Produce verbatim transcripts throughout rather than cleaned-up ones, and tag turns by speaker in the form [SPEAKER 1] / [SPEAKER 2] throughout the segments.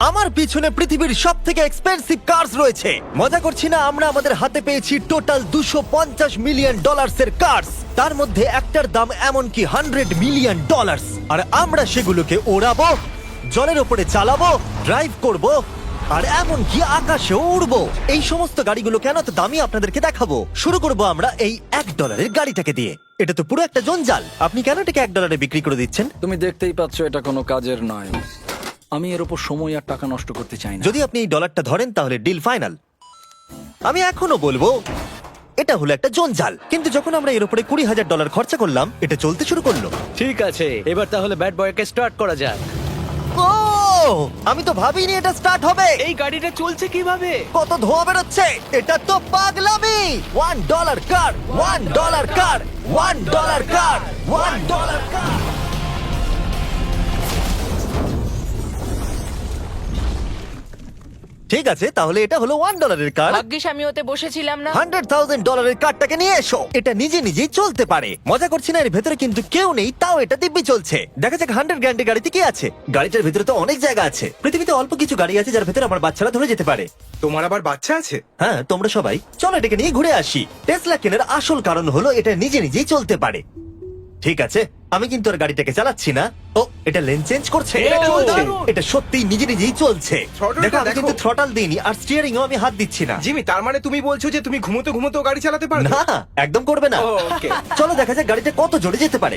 [SPEAKER 1] আমার পিছনে পৃথিবীর সব থেকে এক্সপেন্সিভ কার্স রয়েছে। মজা করছি না, আমরা আমাদের হাতে পেয়েছি টোটাল দুশো পঞ্চাশ মিলিয়ন ডলার্স এর কার্স। তার মধ্যে একটার দাম এমনকি হান্ড্রেড মিলিয়ন ডলার্স। আর আমরা সেগুলোকে ওড়াবো, জলের ওপরে চালাবো, ড্রাইভ করব, আর এমনকি আকাশেও উড়বো। এই সমস্ত গাড়িগুলো কেন তো দামি আপনাদেরকে দেখাবো। শুরু করব আমরা এই এক ডলারের গাড়িটাকে দিয়ে। এটা তো পুরো একটা জঞ্জাল। আপনি কেন এটাকে এক ডলারে বিক্রি করে দিচ্ছেন?
[SPEAKER 2] তুমি দেখতেই পাচ্ছ এটা কোনো কাজের নয়। আমি এর উপর সময় আর টাকা নষ্ট করতে চাই না।
[SPEAKER 1] যদি আপনি এই ডলারটা ধরেন তাহলে ডিল ফাইনাল। আমি এখনো বলবো এটা হলো একটা জঞ্জাল, কিন্তু যখন আমরা এর উপরে কুড়ি হাজার ডলার খরচা করলাম এটা চলতে শুরু করলো।
[SPEAKER 3] ঠিক আছে, এবার তাহলে ব্যাড বয়কে স্টার্ট করা যাক।
[SPEAKER 1] ও, আমি তো ভাবিনি এটা স্টার্ট হবে।
[SPEAKER 3] এই গাড়িটা চলছে কিভাবে?
[SPEAKER 1] কত ধোঁয়া বেরোচ্ছে, এটা তো পাগলামি। One dollar car, one dollar car, one dollar car, one dollar car. ঠিক আছে, তাহলে এটা হলো ওয়ান ডলারের কার।
[SPEAKER 4] ভাগ্যিস আমি ওতে বসেছিলাম না।
[SPEAKER 1] হান্ড্রেড থাউজেন্ড ডলারের কারটাকে নিয়ে এসো। এটা নিজে নিজেই চলতে পারে। মজা করছি না, এর ভেতরে কিন্তু কেউ নেই, তাও এটা দিব্যি চলছে। দেখা যাক হান্ড্রেড গ্র্যান্ডের গাড়িতে কি আছে। গাড়িটার ভেতরে তো অনেক জায়গা আছে। পৃথিবীতে অল্প কিছু গাড়ি আছে যার ভেতরে আমার বাচ্চারা ধরে যেতে পারে।
[SPEAKER 5] তোমার আবার বাচ্চা আছে?
[SPEAKER 1] হ্যাঁ, তোমরা সবাই চলো এটাকে নিয়ে ঘুরে আসি। টেসলা কেনার আসল কারণ হলো এটা নিজে নিজেই চলতে পারে। ঠিক আছে, আমি কিন্তু আর গাড়িটাকে চালাচ্ছি না। ও, এটা লেন চেঞ্জ করছে।
[SPEAKER 5] এটা চলছে।
[SPEAKER 1] এটা সত্যি নিজে নিজেই চলছে।
[SPEAKER 5] Throttle-টা
[SPEAKER 1] দেখো, আমি
[SPEAKER 5] দেখো।
[SPEAKER 1] কিন্তু থ্রটাল দিইনি আর স্টিয়ারিং আমি হাত দিচ্ছি না।
[SPEAKER 5] জিমি, তার মানে তুমি বলছো যে তুমি ঘুমোতে ঘুমোতে গাড়ি চালাতে পারো?
[SPEAKER 1] না, একদম করবে না।
[SPEAKER 5] ও, okay.
[SPEAKER 1] চলো দেখা যাক গাড়িটা কত জোরে যেতে পারে।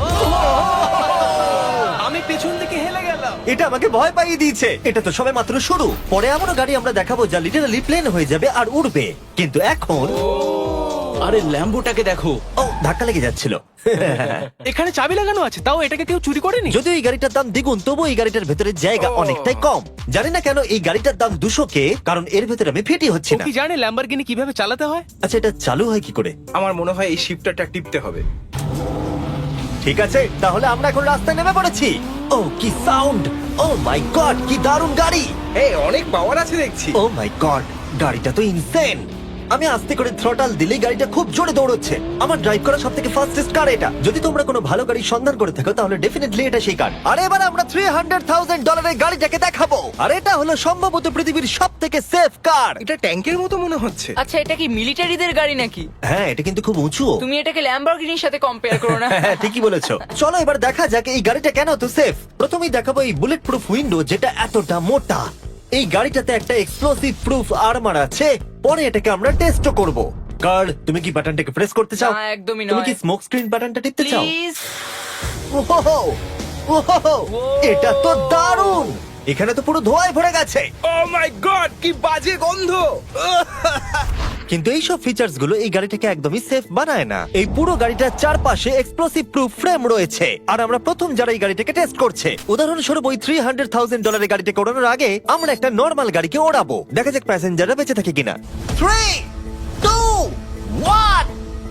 [SPEAKER 3] আমি পেছন থেকে হেলে গেলাম।
[SPEAKER 1] এটা আমাকে ভয় পাইয়ে দিয়েছে। এটা তো সবে মাত্র শুরু। পরে এমনও গাড়ি আমরা দেখাবো যা লিটারালি প্লেন হয়ে যাবে আর উড়বে। কিন্তু এখন
[SPEAKER 3] আরে ল্যাম্বোটাকে দেখো,
[SPEAKER 1] ও, ধাক্কা লেগে যাচ্ছিল।
[SPEAKER 3] এখানে চাবি লাগানো আছে, তাও এটাকে কেউ চুরি করেনি।
[SPEAKER 1] যদিও এই গাড়িটার দাম দ্বিগুণ, তবু এই গাড়িটার ভেতরে জায়গা অনেকটাই কম। জানি না কেন এই গাড়িটার দাম দুশো কে, কারণ এর ভেতরে আমি ফিটি হচ্ছি
[SPEAKER 3] ও
[SPEAKER 1] না।
[SPEAKER 3] কি জানে ল্যাম্বরগিনি কিভাবে চালাতে হয়?
[SPEAKER 1] আচ্ছা, এটা চালু হয় কি করে?
[SPEAKER 5] আমার মনে হয় এই শিফটারটা টিপতে হবে।
[SPEAKER 1] ঠিক আছে, তাহলে আমরা এখন রাস্তায় নেমে পড়েছি। ও কি সাউন্ড! ও মাই গড, কি দারুণ গাড়ি!
[SPEAKER 5] এই অনেক পাওয়ার আছে দেখছি।
[SPEAKER 1] ও মাই গড, গাড়িটা তো ইনসেন। আমি আস্তে করে থ্রটাল দিলেই গাড়িটা খুব জোরে দৌড়চ্ছে। আমার ড্রাইভ করা সবথেকে ফাস্টেস্ট কার এটা। যদি তোমরা কোনো ভালো গাড়ির সন্ধান করে থাকো তাহলে ডেফিনেটলি এটা সেই কার। আর এবার আমরা থ্রি হান্ড্রেড থাউজেন্ড ডলারের গাড়িটাকে দেখাবো। আর এটা হলো সম্ভবত পৃথিবীর সবথেকে সেফ কার।
[SPEAKER 5] এটা ট্যাঙ্কের মতো মনে হচ্ছে।
[SPEAKER 4] আচ্ছা, এটা কি মিলিটারিদের গাড়ি নাকি?
[SPEAKER 1] হ্যাঁ, এটা কিন্তু খুব উঁচু।
[SPEAKER 4] তুমি এটাকে ল্যাম্বরগিনির সাথে কম্পেয়ার করো না।
[SPEAKER 1] হ্যাঁ, ঠিকই বলেছো। চলো এবার দেখা যাক এই গাড়িটা কেন এত সেফ। প্রথমেই দেখাবো এই বুলেট প্রুফ উইন্ডো, যেটা এতটা মোটা। এই গাড়িটাতে একটা এক্সপ্লোসিভ প্রুফ আর্মার আছে। পরে এটাকে আমরা টেস্টও করব। কার্ল, তুমি কি বাটনটাকে প্রেস করতে চাও?
[SPEAKER 4] না, একদমই
[SPEAKER 1] তুমি
[SPEAKER 4] নয়।
[SPEAKER 1] কি স্মোক স্ক্রিন বাটনটা টিপতে চাও?
[SPEAKER 4] প্লিজ।
[SPEAKER 1] ওহো, ওহো, এটা তো দারুণ। এখানে তো পুরো ধোঁয়ায় ভরে গেছে।
[SPEAKER 5] ও মাই গড, কি বাজে গন্ধ!
[SPEAKER 1] কিন্তু এইসব ফিচার্স গুলো এই গাড়িটাকে একদমই সেফ বানায় না। এই পুরো গাড়িটার চারপাশে এক্সপ্লোসিভ প্রুফ ফ্রেম রয়েছে। আর আমরা প্রথম যারা এই গাড়িটাকে টেস্ট করছে, উদাহরণস্বরূপ ওই থ্রি হান্ড্রেড থাউজেন্ড ডলারের গাড়িটাকে ওড়ানোর আগে আমরা একটা নর্মাল গাড়িকে ওড়াবো। দেখা যাক প্যাসেঞ্জাররা বেঁচে থাকে কিনা। Three, two, one.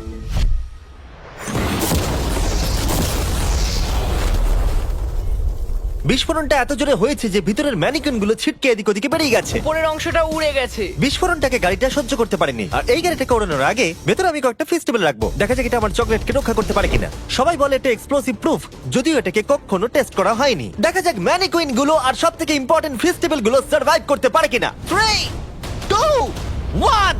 [SPEAKER 1] বিস্ফোরণটা এত জোরে হয়েছে যে ভিতরের ম্যানিকুইন গুলো ছিটকে এদিক ওদিকে বেরিয়ে গেছে।
[SPEAKER 4] উপরের অংশটা উড়ে গেছে।
[SPEAKER 1] বিস্ফোরণটাকে গাড়িটা সহ্য করতে পারেনি। আর এই গাড়িটাকে ওড়ানোর আগে ভেতরে আমি কয়েকটা ফেস্টিভ্যাল রাখবো, দেখা যাক এটা আমার চকলেটকে রক্ষা করতে পারে কিনা। সবাই বলে এটা এক্সপ্লোসিভ প্রুফ, যদিও এটাকে কখনো টেস্ট করা হয়নি। দেখা যাক ম্যানিকুইন গুলো আর সব থেকে ইম্পর্টেন্ট ফেস্টিভ্যাল গুলো সার্ভাইভ করতে পারে কিনা। Three, two, one.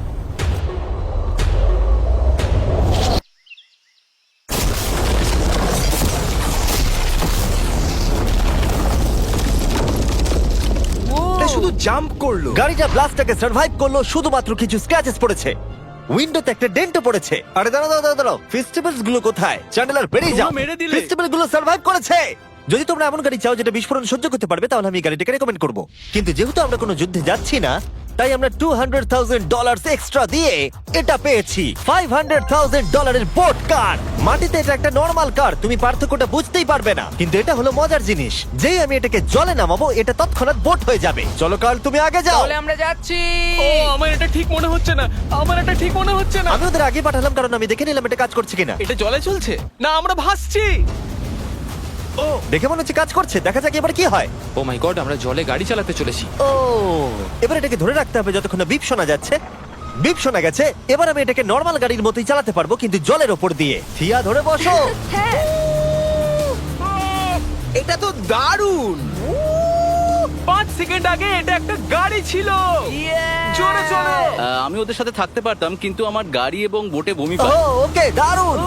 [SPEAKER 5] এটা শুধু জাম্প করলো।
[SPEAKER 1] গাড়িটা ব্লাস্টটাকে সার্ভাইভ করলো, শুধুমাত্র কিছু স্ক্র্যাচেস পড়েছে। উইন্ডোতে একটা ডেন্টও পড়েছে। আরে দাঁড়াও দাঁড়াও দাঁড়াও, দাঁড়াও, ফেস্টিভ্যালস গুলো কোথায়? চ্যান্ডেলার বেরিয়ে যাও।
[SPEAKER 3] তোমরা মেরে দিলে।
[SPEAKER 1] ফেস্টিভ্যাল গুলো সার্ভাইভ করেছে। যদি তোমরা এমন গাড়ি চাও যেটা বিস্ফোরণ সহ্য করতে পারবে, তাহলে আমি এই গাড়িটাকে রেকমেন্ড করবো। কিন্তু যেহেতু আমরা কোনো যুদ্ধে যাচ্ছি না, তাই আমরা two hundred thousand dollar extra দিয়ে এটা পেয়েছি ফাইভ হান্ড্রেড থাউজেন্ড ডলারের বোট কার। মাটিতে এটা একটা নর্মাল কার, তুমি পার্থক্যটা বুঝতেই পারবে না। কিন্তু এটা হলো মজার জিনিস, যেই আমি এটাকে জলে নামাবো এটা তৎক্ষণাৎ বোট হয়ে যাবে। চলো কার্ল, তুমি আগে যাও।
[SPEAKER 4] তাহলে আমরা যাচ্ছি।
[SPEAKER 3] ও, আমার এটা ঠিক মনে হচ্ছে না, আমার এটা ঠিক মনে হচ্ছে না।
[SPEAKER 1] আমি ওদের আগে পাঠালাম কারণ আমি দেখে নিলাম এটা কাজ করছে কিনা।
[SPEAKER 3] এটা জলে চলছে না, আমরা ভাসছি। ও,
[SPEAKER 1] দেখে মনে হচ্ছে কাজ করছে, দেখা যাক এবার কি হয়।
[SPEAKER 6] ও মাই গড, আমরা জলে গাড়ি চালাতে চলেছি।
[SPEAKER 1] ও, এবার এটাকে ধরে রাখতে হবে যতক্ষণ না বিপ শোনা যাচ্ছে। বিপ শোনা গেছে। এবার আমি এটাকে নর্মাল গাড়ির মতোই চালাতে পারবো, কিন্তু জলের ওপর দিয়ে। থিয়া, ধরে বসো।
[SPEAKER 4] হ্যাঁ।
[SPEAKER 5] এটা তো দারুণ।
[SPEAKER 3] পাঁচ সেকেন্ড আগে এটা একটা গাড়ি ছিল জোরে চলো
[SPEAKER 7] আহ, আমি ওদের সাথে থাকতে পারতাম কিন্তু আমার গাড়ি এবং বোটে বমি
[SPEAKER 1] ও
[SPEAKER 7] পায়।
[SPEAKER 1] ওকে দারুণ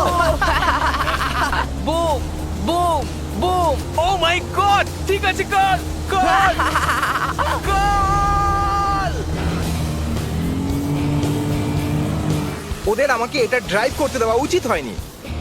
[SPEAKER 4] boom boom boom
[SPEAKER 3] oh my god ঠিক আছে কর কর কর
[SPEAKER 5] ওদের আমাকে এটা ড্রাইভ করতে দেওয়া উচিত হয়নি।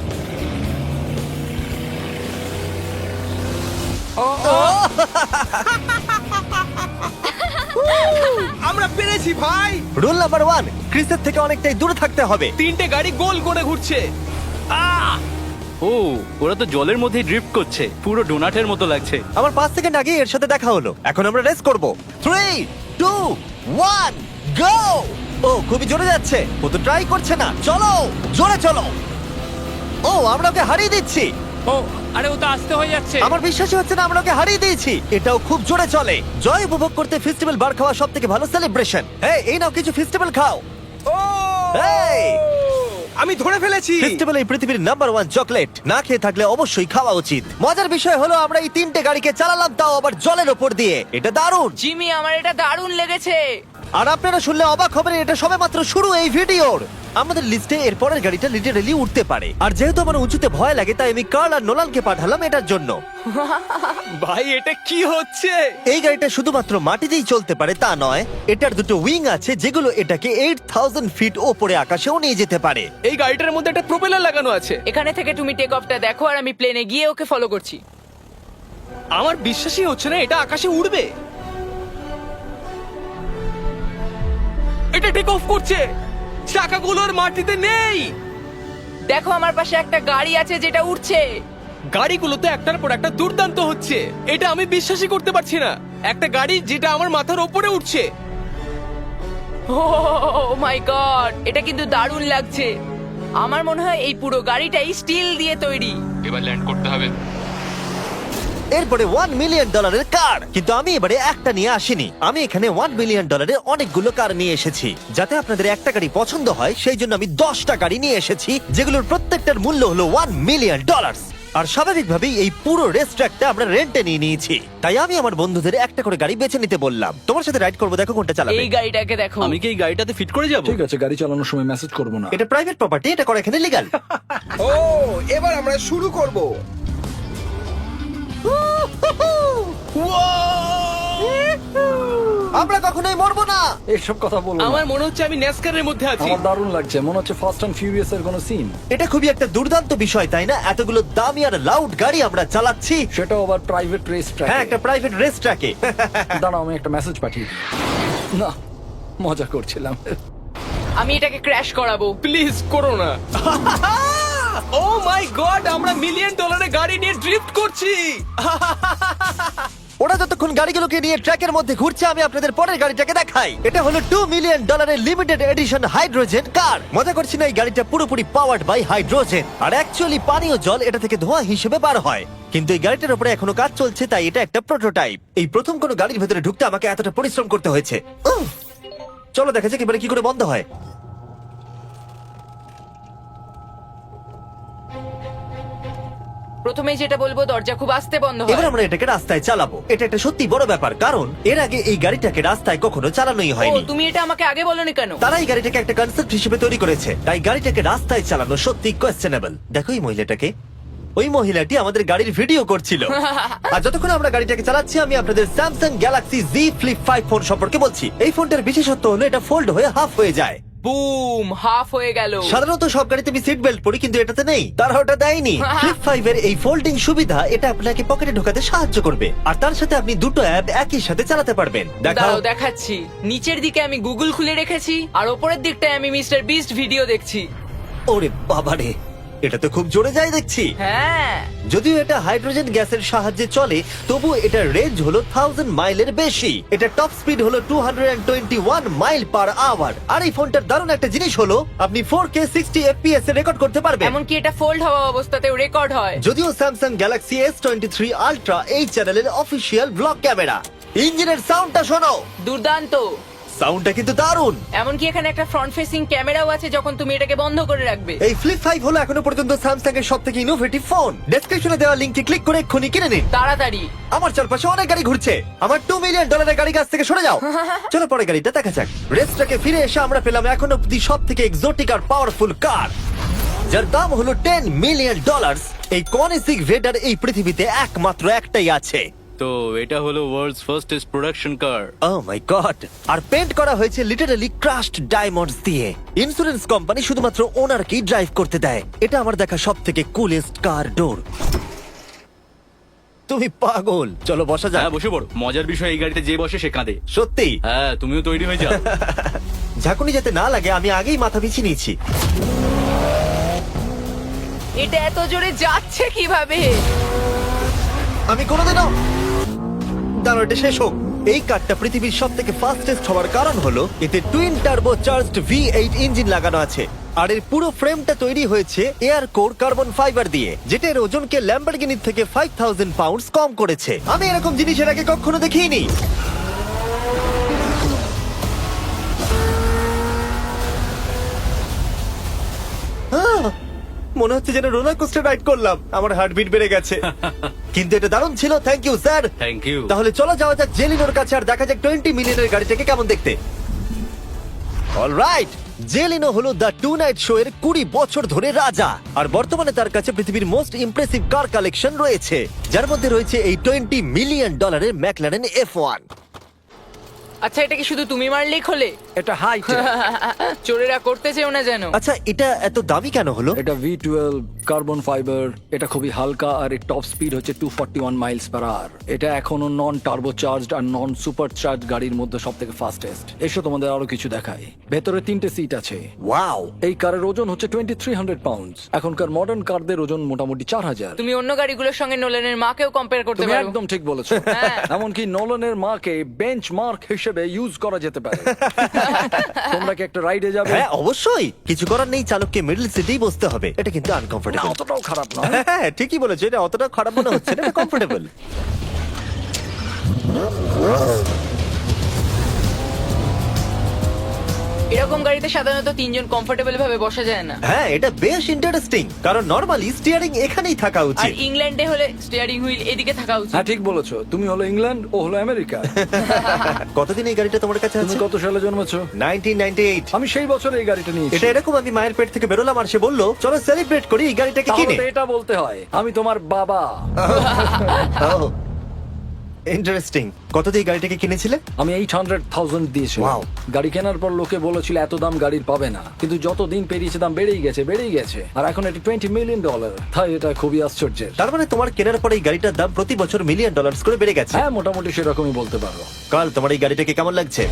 [SPEAKER 5] আমরা পেরেছি ভাই।
[SPEAKER 1] রুল নাম্বার ওয়ান, ক্রিসের থেকে অনেকটাই দূরে থাকতে হবে।
[SPEAKER 3] তিনটে গাড়ি গোল করে ঘুরছে আহ
[SPEAKER 7] ও ওরা তো জলের মধ্যে ড্রিফট করছে, পুরো ডোনাটের মতো লাগছে।
[SPEAKER 1] আমার পাঁচ সেকেন্ড আগে এর সাথে দেখা হলো। এখন আমরা রেস করব। Three two one go. ও খুবই জোরে যাচ্ছে, ও তো ট্রাই করছে না। চলো জোরে চলো। ও আমরা ওকে হারিয়ে দিচ্ছি।
[SPEAKER 6] ও আরে ও তো আসতে হয়ে যাচ্ছে।
[SPEAKER 1] আমার বিশ্বাসই হচ্ছে না আমরা ওকে হারিয়ে দিয়েছি। এটাও খুব জোরে চলে। জয় উপভোগ করতে ফেস্টিভ্যাল বার খাওয়া সব থেকে ভালো সেলিব্রেশন। এই এই নাও কিছু ফেস্টিভ্যাল খাও।
[SPEAKER 5] ও
[SPEAKER 1] এই
[SPEAKER 5] আমি ধরে ফেলেছি।
[SPEAKER 1] ফেস্টিভ্যাল এই পৃথিবীর নাম্বার ওয়ান চকলেট। না খেয়ে থাকলে অবশ্যই খাওয়া উচিত। মজার বিষয় হলো আমরা এই তিনটে গাড়িকে চালালাম, তাও আবার জলের ওপর দিয়ে। এটা দারুণ।
[SPEAKER 4] জিমি আমার এটা দারুণ লেগেছে।
[SPEAKER 1] আর আপনারা শুনলে অবাক হবেন, এটা সবেমাত্র শুরু এই ভিডিওর। আমাদের লিস্টে এর পরের গাড়িটা লিটারেলি উঠতে পারে। আর যেহেতু আমার উঁচুতে ভয় লাগে, তাই আমি কার্ল আর নোলানকে পাঠালাম এটার জন্য।
[SPEAKER 3] ভাই এটা কি হচ্ছে
[SPEAKER 1] এই গাড়িটা শুধুমাত্র মাটিতেই চলতে পারে তা নয়, এটার দুটো উইং আছে যেগুলো এটাকে এইট থাউজেন্ড ফিট ওপরে আকাশেও নিয়ে যেতে পারে।
[SPEAKER 3] এই গাড়িটার মধ্যে একটা প্রোপেলার লাগানো আছে
[SPEAKER 4] এখানে থেকে তুমি টেক অফটা দেখো আর আমি প্লেনে গিয়ে ওকে ফলো করছি।
[SPEAKER 3] আমার বিশ্বাসই হচ্ছে না এটা আকাশে উড়বে। এটা টেক অফ করছে, চাকাগুলোর মাটিতে নেই।
[SPEAKER 4] দেখো আমার পাশে একটা গাড়ি আছে যেটা উঠছে।
[SPEAKER 3] গাড়িগুলোতে একটার পর একটা দুর্দান্ত হচ্ছে, এটা আমি বিশ্বাসই করতে পারছি না। একটা গাড়ি যেটা আমার মাথার ওপরে উঠছে।
[SPEAKER 4] ও মাই গড, এটা কিন্তু দারুণ লাগছে। আমার মনে হয় এই পুরো গাড়িটাই স্টিল দিয়ে তৈরি।
[SPEAKER 6] এবার ল্যান্ড করতে হবে।
[SPEAKER 1] এরপরে ওয়ান মিলিয়ন ডলারের কার। কিন্তু আমি এবারে একটা নিয়ে আসিনি, আমি এখানে ওয়ান মিলিয়ন ডলারের অনেকগুলো কার নিয়ে এসেছি। যাতে আপনাদের একটা গাড়ি পছন্দ হয় সেই জন্য আমি দশটা গাড়ি নিয়ে এসেছি, যেগুলোর প্রত্যেকটার মূল্য হলো ওয়ান মিলিয়ন ডলার। আর স্বাভাবিকভাবেই এই পুরো রেস ট্র্যাকটা আমরা রেন্টে নিয়ে নিয়েছি। তাই আমি আমার বন্ধুদের একটা করে গাড়ি বেছে নিতে বললাম। তোমার সাথে রাইড করবো, দেখো কোনটা চালাবে।
[SPEAKER 4] এই গাড়িটাকে দেখো।
[SPEAKER 7] আমি কি এই গাড়িটাতে ফিট করে যাব?
[SPEAKER 2] ঠিক আছে, গাড়ি চালানোর সময় মেসেজ করবো না।
[SPEAKER 1] এটা প্রাইভেট প্রপার্টি, এটা করা এখানে লিগ্যাল।
[SPEAKER 5] ও এবার আমরা শুরু করব।
[SPEAKER 1] আমরা কখনোই মরবো না।
[SPEAKER 2] এইসব কথা বলবো না।
[SPEAKER 3] আমার মনে হচ্ছে আমি ন্যাসকারের মধ্যে আছি।
[SPEAKER 2] আমার দারুণ লাগছে, মনে হচ্ছে ফার্স্ট অ্যান্ড ফিউরিয়াস এর কোনো সিন।
[SPEAKER 1] এটা খুবই একটা দুর্দান্ত বিষয়, তাই না? এতগুলো দামি আর লাউড গাড়ি আমরা চালাচ্ছি।
[SPEAKER 2] সেটাও আবার প্রাইভেট রেস ট্র্যাক।
[SPEAKER 1] হ্যাঁ, একটা প্রাইভেট রেস ট্র্যাকে।
[SPEAKER 2] দাঁড়াও আমি একটা মেসেজ পাঠিয়ে দিই। না, মজা করছিলাম।
[SPEAKER 4] আমি এটাকে ক্র্যাশ করাবো।
[SPEAKER 3] প্লিজ করো না। ও মাই গড, আমরা মিলিয়ন ডলারের গাড়ি নিয়ে ড্রিফট করছি।
[SPEAKER 1] ওরা যতক্ষণ গাড়িগুলোকে নিয়ে ট্র্যাকের মধ্যে ঘুরছে, আমি আপনাদের পরের গাড়িটাকে দেখাই। এটা হলো টু মিলিয়ন ডলারের লিমিটেড এডিশন হাইড্রোজেন কার। মজা করছি না, এই গাড়িটা পুরোপুরি পাওয়ার্ড বাই হাইড্রোজেন। আর অ্যাকচুয়ালি পানীয় জল এটা থেকে ধোঁয়া হিসেবে বার হয়। কিন্তু এই গাড়িটার উপরে এখনো কাজ চলছে, তাই এটা একটা প্রোটোটাইপ। এই প্রথম কোনো গাড়ির ভেতরে ঢুকতে আমাকে এতটা পরিশ্রম করতে হয়েছে। উফ! চলো দেখা যাক এবারে কি করে বন্ধ হয়।
[SPEAKER 4] প্রথমে যেটা বলবো, দরজা খুব আস্তে বন্ধ হয়।
[SPEAKER 1] এবার আমরা এটাকে রাস্তায় চালাবো। এটা একটা সত্যি বড় ব্যাপার, কারণ এর আগে এই গাড়িটাকে রাস্তায় কখনো চালানোই
[SPEAKER 4] ও
[SPEAKER 1] হয়নি।
[SPEAKER 4] তুমি এটা আমাকে আগে বলনি কেন?
[SPEAKER 1] তারা এই গাড়িটাকে একটা কনসেপ্ট হিসেবে তৈরি করেছে, তাই গাড়িটাকে রাস্তায় চালানো সত্যি কোয়েশ্চেনেবল। দেখো এই মহিলাটাকে, ওই মহিলাটি আমাদের গাড়ির ভিডিও করছিল। আর যতক্ষণ আমরা গাড়িটাকে চালাচ্ছি, আমি আপনাদের Samsung Galaxy Z Flip five phone সম্পর্কে বলছি। এই ফোনটার বিশেষত্ব হলো এটা ফোল্ড হয়ে হাফ হয়ে যায়।
[SPEAKER 4] বুম, হাফ হয়ে গেল।
[SPEAKER 1] সাধারণত সব গাড়িতে আমি সিট বেল্ট পরি, কিন্তু এটাতে নেই। তারা ওটা দেয়নি। ফ্লিপ ফাইভ এর এই ফোল্ডিং সুবিধা, এটা আপনাকে পকেটে ঢোকাতে সাহায্য করবে। আর তার সাথে আপনি দুটো অ্যাপ একই সাথে চালাতে পারবেন। দেখাও।
[SPEAKER 4] দাঁড়াও দেখাচ্ছি। নিচের দিকে আমি গুগল খুলে রেখেছি, আর ওপরের দিকটায় আমি মিস্টার বিস্ট ভিডিও দেখছি।
[SPEAKER 1] ওরে বাবারে, এটা তো খুব জোরে যায় দেখছি।
[SPEAKER 4] হ্যাঁ,
[SPEAKER 1] যদিও এটা হাইড্রোজেন গ্যাসের সাহায্যে চলে, তবু এটার রেঞ্জ হলো থাউজেন্ড মাইলের বেশি। এটা টপ স্পিড হলো two twenty one mile per hour. আর এই ফোনটার দারুণ একটা জিনিস হলো, আপনি ফোর কে সিক্সটি এফপিএস এ রেকর্ড করতে পারবেন।
[SPEAKER 4] এমনকি এটা ফোল্ড হওয়া অবস্থাতেও রেকর্ড হয়।
[SPEAKER 1] যদিও Samsung Galaxy S twenty three Ultra এই চ্যানেলের অফিসিয়াল ব্লগ ক্যামেরা। ইঞ্জিনের সাউন্ডটা শোনো।
[SPEAKER 4] দুর্দান্ত।
[SPEAKER 1] সাউন্ডটা কিন্তু দারুণ।
[SPEAKER 4] এমনকি এখানে একটা ফ্রন্ট ফেসিং ক্যামেরাও আছে যখন তুমি এটাকে বন্ধ করে রাখবে।
[SPEAKER 1] এই ফ্লিপ ফাইভ হলো এখনো পর্যন্ত স্যামসাং এর সব থেকে ইনোভেটিভ ফোন। ডেসক্রিপশনে দেওয়া লিংকে ক্লিক করে এক্ষুনি কিনে নিন।
[SPEAKER 4] তাড়াতাড়ি।
[SPEAKER 1] আমার চারপাশে অনেক গাড়ি ঘুরছে। আমার টু মিলিয়ন ডলারের গাড়ি কাছ থেকে সরে যাও। চলো পরে গাড়িটা দেখা যাক। রেসটাকে ফিরে এসে আমরা পেলাম এখন অব্দি সব থেকে এক্সোটিক আর পাওয়ারফুল কার, যার দাম হলো টেন মিলিয়ন ডলার। এই কনিসিক ভেডার এই পৃথিবীতে একমাত্র একটাই আছে।
[SPEAKER 7] তো এটা হলো world's fastest production car.
[SPEAKER 1] Oh my God! আর পেন্ট করা হয়েছে লিটারালি ক্রাশড ডায়মন্ডস দিয়ে। ইন্স্যুরেন্স কোম্পানি শুধুমাত্র ওনারকেই ড্রাইভ করতে দেয়। এটা আমার দেখা সব থেকে কুলেস্ট কার ডোর। তুমি পাগল। চলো বসা যাক।
[SPEAKER 7] হ্যাঁ বসে পড়ো। মজার বিষয় এই গাড়িতে যে বসে সে কাঁদে।
[SPEAKER 1] সত্যি
[SPEAKER 7] হ্যাঁ তুমিও তৈরি হয়ে যাও।
[SPEAKER 1] ঝাঁকুনি যাতে না লাগে আমি আগেই মাথা পিছিয়ে নিয়েছি।
[SPEAKER 4] এটা এত জোরে যাচ্ছে কিভাবে?
[SPEAKER 1] আমি কোনোদিনও দাঁড়ো, এটা শেষ হোক। এই কারটা পৃথিবীর সব থেকে ফাস্টেস্ট হওয়ার কারণ হলো এতে twin turbo charged V eight engine লাগানো আছে। আর এর পুরো ফ্রেমটা তৈরি হয়েছে এয়ার কোর কার্বন ফাইবার দিয়ে, যেটা এর ওজনকে ল্যাম্বরগিনির থেকে ফাইভ থাউজেন্ড পাউন্ডস কম করেছে। আমি এরকম জিনিস এর আগে কখনো দেখিনি। আহ! মনে হচ্ছে যেন রোলার কোস্টার রাইড করলাম। আমার হার্টবিট বেড়ে গেছে। কিন্তু এটা দারুণ ছিল। Thank you sir.
[SPEAKER 7] Thank you.
[SPEAKER 1] তাহলে চলো যাওয়া যাক জেলিনোর কাছে আর দেখা যাক টোয়েন্টি মিলিয়নের গাড়িটাকে কেমন দেখতে। অলরাইট, জেলিনো হলো দ্য টু নাইট শো এর কুড়ি বছর ধরে রাজা। আর বর্তমানে তার কাছে পৃথিবীর মোস্ট ইমপ্রেসিভ কার কালেকশন রয়েছে, যার মধ্যে রয়েছে এই টোয়েন্টি মিলিয়ন ডলারের ম্যাকলারেন এফ ওয়ান।
[SPEAKER 4] আচ্ছা, এটা কি শুধু তুমি মারলেই খোলে?
[SPEAKER 2] এটা হাই
[SPEAKER 4] চোরেরা করতে চেও না যেন।
[SPEAKER 1] আচ্ছা, এটা এত দামি কেন হলো?
[SPEAKER 2] এটা ভি টুয়েলভ কার্বন ফাইবার। এটা খুবই হালকা আর এর টপ স্পিড হচ্ছে two forty one miles per hour. এটা এখনো নন টার্বো চার্জড আর নন সুপার চার্জ গাড়ির মধ্যে সব থেকে ফাস্টেস্ট। এসো তোমাদের আরো কিছু দেখাই। ভেতরে তিনটে সিট আছে।
[SPEAKER 1] ওয়াও!
[SPEAKER 2] এই কারের ওজন হচ্ছে টোয়েন্টি থ্রি হান্ড্রেড পাউন্ডস। এখনকার মডার্ন কারদের ওজন মোটামুটি চার হাজার।
[SPEAKER 4] তুমি অন্য গাড়িগুলোর সঙ্গে নোলেনের মাকেও কম্পেয়ার করতে
[SPEAKER 2] তুমি
[SPEAKER 4] পারো।
[SPEAKER 2] একদম ঠিক বলেছো।
[SPEAKER 4] হ্যাঁ।
[SPEAKER 2] এমনকি নোলানের মাকে বেঞ্চ মার্ক হিসেবে ইউজ করা যেতে পারে। তোমরা কি একটা রাইডে যাবে?
[SPEAKER 1] হ্যাঁ অবশ্যই। কিছু করার নেই, চালককে মিডল সিটেই বসতে হবে। এটা কিন্তু
[SPEAKER 2] না,
[SPEAKER 1] আনকমফোর্টেবল।
[SPEAKER 2] অতটাও খারাপ নয়।
[SPEAKER 1] হ্যাঁ ঠিকই বলেছো, এটা অতটা খারাপ মনে হচ্ছে না, এটা কমফোর্টেবল।
[SPEAKER 4] এরকম গাড়িতে সাধারণত তিনজন কমফোর্টেবল ভাবে বসা যায় না।
[SPEAKER 1] হ্যাঁ এটা বেশ ইন্টারেস্টিং, কারণ নরমালি স্টিয়ারিং এখানেই থাকা
[SPEAKER 4] আর
[SPEAKER 1] উচিত।
[SPEAKER 4] ইংল্যান্ডে হলে স্টিয়ারিং হুইল এদিকে থাকা উচিত।
[SPEAKER 2] হ্যাঁ ঠিক বলেছো। তুমি হলো ইংল্যান্ড, ও হলো আমেরিকা।
[SPEAKER 1] কতদিন এই গাড়িটা তোমার কাছে
[SPEAKER 2] তুমি
[SPEAKER 1] আছে?
[SPEAKER 2] কত সালে জন্মেছো?
[SPEAKER 1] Nineteen ninety eight.
[SPEAKER 2] আমি সেই বছর এই গাড়িটা নিয়েছি।
[SPEAKER 1] এটা এরকম, আমি মায়ের পেট থেকে বেরোলাম আর সে বললো চলো সেলিব্রেট করি এই গাড়িটাকে
[SPEAKER 2] তাহলে
[SPEAKER 1] কিনে।
[SPEAKER 2] তো এটা বলতে হয় আমি তোমার বাবা।
[SPEAKER 1] ইন্টারেস্টিং। কত দিয়ে এই গাড়িটাকে কিনেছিলে?
[SPEAKER 2] আমি এইট হান্ড্রেড থাউজেন্ড দিয়েছি।
[SPEAKER 1] Wow.
[SPEAKER 2] গাড়ি কেনার পর লোকে বলেছিল এত দাম গাড়ির পাবে না, কিন্তু যত দিন পেরিয়েছে দাম বেড়েই গেছে বেড়েই গেছে আর এখন এটা টোয়েন্টি মিলিয়ন ডলার। তাই এটা খুবই আশ্চর্যের।
[SPEAKER 1] তার মানে তোমার কেনার পরে এই গাড়িটার দাম প্রতি বছর মিলিয়ন ডলার্স করে বেড়ে গেছে।
[SPEAKER 2] হ্যাঁ মোটামুটি সেরকমই বলতে পারো।
[SPEAKER 1] কাল তোমার এই গাড়িটাকে কেমন লাগছে?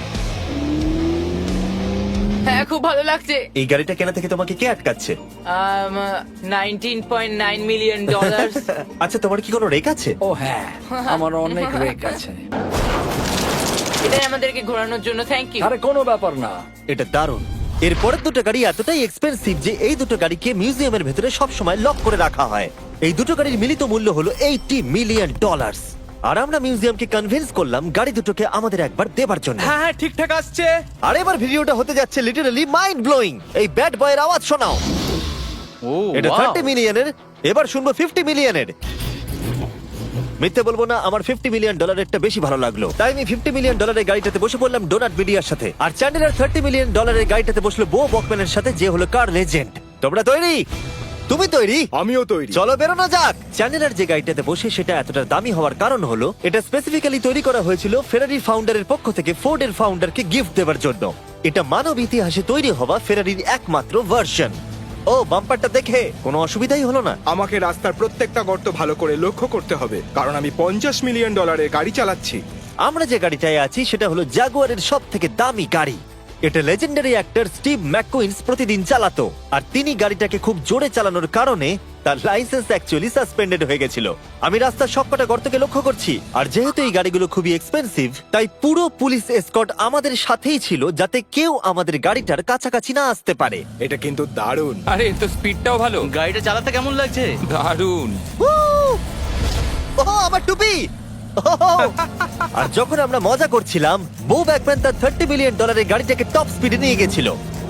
[SPEAKER 4] হ্যাঁ খুব ভালো লাগছে।
[SPEAKER 1] এই গাড়িটা কেনা থেকে তোমাকে কে আটকাচ্ছে?
[SPEAKER 4] Nineteen point nine million dollar.
[SPEAKER 1] আচ্ছা তোমার কি কোনো রেক আছে?
[SPEAKER 2] ও হ্যাঁ, আমার অনেক রেক আছে।
[SPEAKER 4] এটাই আমাদেরকে ঘোরানোর জন্য থ্যাংক ইউ।
[SPEAKER 2] আরে কোনো ব্যাপার না।
[SPEAKER 1] এটা দারুণ। এর পরের দুটো গাড়ি এতটাই এক্সপেন্সিভ যে এই দুটো গাড়িকে মিউজিয়ামের ভেতরে সব সময় লক করে রাখা হয়। এই দুটো গাড়ির মিলিত মূল্য হলো এইটি মিলিয়ন ডলার। আর আমরা মিউজিয়ামকে কনভিন্স করলাম গাড়ি দুটোকে আমাদের একবার দেবার জন্য।
[SPEAKER 3] হ্যাঁ হ্যাঁ ঠিকঠাক আসছে।
[SPEAKER 1] আর এবার ভিডিওটা হতে যাচ্ছে লিটারালি মাইন্ড ব্লোয়িং। এই ব্যাড বয়ের আওয়াজ শোনাও।
[SPEAKER 7] ও
[SPEAKER 1] এটা
[SPEAKER 7] wow!
[SPEAKER 1] থার্টি মিলিয়নের, এবার শুনবো ফিফটি মিলিয়নের। মিথ্যে বলবো না, আমার ফিফটি মিলিয়ন ডলারেরটা বেশি ভালো লাগলো, তাই আমি ফিফটি মিলিয়ন ডলারের গাড়িটাতে বসে পড়লাম ডোনাট মিডিয়ার সাথে। আর চ্যান্ডেলার থার্টি মিলিয়ন ডলারের গাড়িটাতে বসলো বো বকম্যানের সাথে, যে হলো কার লেজেন্ড। তোমরা তৈরি? তুমি তৈরি?
[SPEAKER 5] আমিও তৈরি।
[SPEAKER 1] চলো বেরোনো যাক। চ্যান্ডেলার যে গাড়িটাতে বসে সেটা এতটা দামি হওয়ার কারণ হলো এটা স্পেসিফিক্যালি তৈরি করা হয়েছিল ফেরারি ফাউন্ডারের পক্ষ থেকে ফোর্ডের ফাউন্ডারকে গিফট দেওয়ার জন্য। এটা মানব ইতিহাসে তৈরি হওয়া ফেরারির একমাত্র ভার্সন। ও বাম্পারটা দেখে কোনো অসুবিধাই হলো না।
[SPEAKER 5] আমাকে রাস্তার প্রত্যেকটা গর্ত ভালো করে লক্ষ্য করতে হবে, কারণ আমি পঞ্চাশ মিলিয়ন ডলারের গাড়ি চালাচ্ছি।
[SPEAKER 1] আমরা যে গাড়িটায় আছি সেটা হলো জাগুয়ারের সব থেকে দামি গাড়ি। এটা লেজেন্ডারি অ্যাক্টর স্টিভ ম্যাককুইন্স প্রতিদিন চালাতো, আর তিনি গাড়িটাকে খুব জোরে চালানোর কারণে তার লাইসেন্স অ্যাকচুয়ালি সাসপেন্ডেড হয়ে গেছিল। আমি রাস্তার সবকটা গর্তকে লক্ষ্য করছি, আর যেহেতু এই গাড়িগুলো খুবই এক্সপেন্সিভ তাই পুরো পুলিশ এসকর্ট আমাদের সাথেই ছিল, যাতে কেউ আমাদের গাড়িটার কাছাকাছি না আসতে পারে।
[SPEAKER 5] এটা কিন্তু দারুণ।
[SPEAKER 6] আরে এর তো স্পিডটাও ভালো।
[SPEAKER 7] গাড়িটা চালাতে কেমন লাগছে?
[SPEAKER 6] দারুণ।
[SPEAKER 1] ও আমার টুপি! ও আর যখন আমরা মজা করছিলাম, বো ব্যাকম্যান তার থার্টি মিলিয়ন ডলারের গাড়িটাকে টপ স্পিডে নিয়ে গেছিল।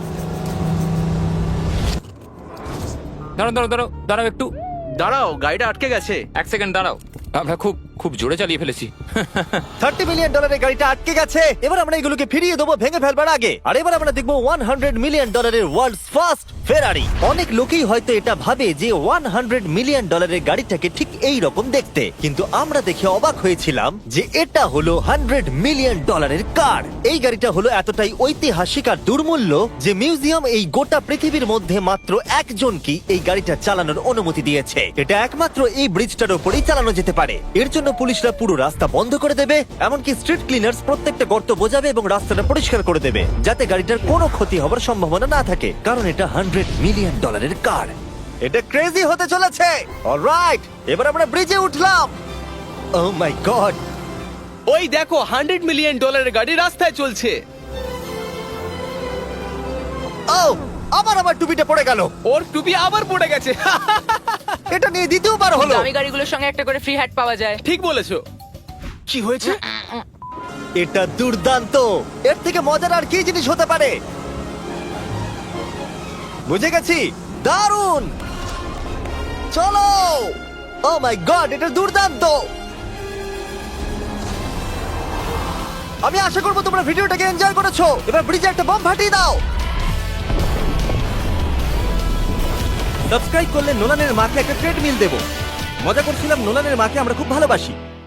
[SPEAKER 6] দাঁড়াও দাঁড়াও দাঁড়াও দাঁড়াও একটু
[SPEAKER 7] দাঁড়াও, গাড়িটা আটকে গেছে।
[SPEAKER 6] এক সেকেন্ড দাঁড়াও, আমরা খুব খুব জোরে চালিয়ে ফেলেছি।
[SPEAKER 1] থার্টি মিলিয়ন ডলারের গাড়িটা আটকে গেছে। এবার আমরা এগুলোকে ফিরিয়ে দেবো ভেঙে ফেলবার আগে। আর এবার আমরা দেখবো ওয়ান হান্ড্রেড মিলিয়ন ডলারের ওয়ার্ল্ডস ফার্স্ট ফেরারি। অনেক লোকেই হয়তো এটা ভাবে যে ওয়ান হান্ড্রেড মিলিয়ন ডলারের গাড়িটাকে ঠিক এই রকম দেখতে, কিন্তু আমরা দেখে অবাক হয়েছিলাম যে এটা হলো হান্ড্রেড মিলিয়ন ডলারের কার। এই গাড়িটা হলো এতটাই ঐতিহাসিক আর দুর্মূল্য যে মিউজিয়াম এই গোটা পৃথিবীর মধ্যে মাত্র একজনকে এই গাড়িটা চালানোর অনুমতি দিয়েছে। এটা একমাত্র এই ব্রিজটার উপরেই চালানো যেতে পারে। এর জন্য পুলিশরা পুরো রাস্তা বন্ধ করে দেবে, এমনকি স্ট্রিট ক্লিনার্স প্রত্যেকটা গর্ত বোঝাবে এবং রাস্তাটা পরিষ্কার করে দেবে, যাতে গাড়িটার কোনো ক্ষতি হবার সম্ভাবনা না থাকে, কারণ এটা হান্ড্রেড মিলিয়ন ডলারের কার। এটা ক্রেজি হতে চলেছে। অলরাইট, এবার আমরা ব্রিজে উঠলাম। ও মাই গড,
[SPEAKER 3] ওই দেখো হান্ড্রেড মিলিয়ন ডলারের গাড়ি রাস্তায় চলছে।
[SPEAKER 1] ও আবার আমার টুপিটা পড়ে গেল।
[SPEAKER 3] ওর টুপি আবার পড়ে গেছে।
[SPEAKER 1] এটা নিয়ে দ্বিতীয়বার হলো।
[SPEAKER 4] দামি গাড়িগুলোর সঙ্গে একটা করে ফ্রি হ্যাট পাওয়া যায়।
[SPEAKER 3] ঠিক বলেছো। কি হয়েছে?
[SPEAKER 1] এটা দুর্দান্ত। এর থেকে মজার আর কি জিনিস হতে পারে? বুঝে গেছি, দারুণ। চলো। ও মাই গড, এটা দুর্দান্ত। আমি আশা করবো তোমরা ভিডিওটাকে এনজয় করেছো। এবার ব্রিজে একটা বম ফাটিয়ে দাও। সাবস্ক্রাইব করলে নোলানের মাকে একটা ট্রেডমিল দেবো। মজা করছিলাম, নোলানের মাকে আমরা খুব ভালোবাসি।